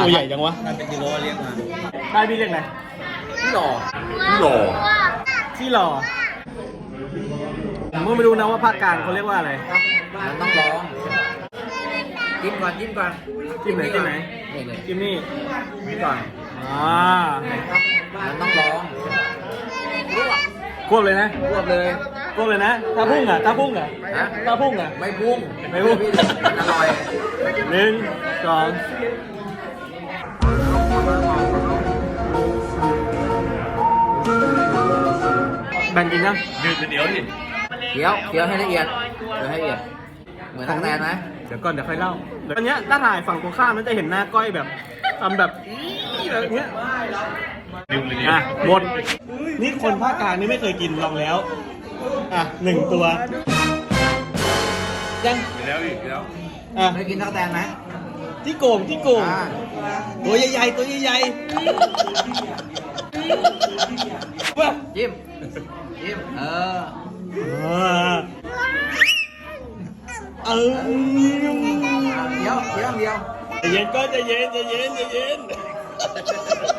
ตัวใหญ่จังวะถ้าเป็นกิโลเรียกมาได้พี่เรียกอะไรพี่หล่อที่หล่อผมก็ไม่รู้นะว่าภาคกลางเขาเรียกว่าอะไรมันต้องลองจิ้มก่อนจิ้มก่อนจิ้มไหนจิ้มไหนนี่เลยจิ้มนี่จิ้มก่อนอ่ามันต้องลองควบเลยนะรวบเลยควบเลยนะถ้าพุ่งอ่ะถ้าพุ่งอ่ะฮะถ้าพุ่งอ่ะไม่พุ่งไม่พุ่งมันอร่อยหนึ่งสองแบ่งกินนะเคี้ยวให้ละเอียดเคี้ยวให้ละเอียดเหมือนตั๊กแตนไหมเดี๋ยวก่อนเดี๋ยวค่อยเล่าตอนเนี้ยถ้าถ่ายฝั่งตรงข้ามมันจะเห็นหน้าก้อยแบบทำแบบแบบเนี้ยอ่ะหมดนี่คนภาคกลางนี่ไม่เคยกินลองแล้วอ่ะหนึ่งตัวยังแล้วอีกแล้วอ่ะไม่กินตั๊กแตนไหมที่โกงที่โกงอ่าตัวใหญ่ๆตัวใหญ่ๆว้าจิ้มจิ้มเออเคี้ยวเคี้ยวเดียวใจเย็นก็ใจเย็นใจเย็นใจเย็น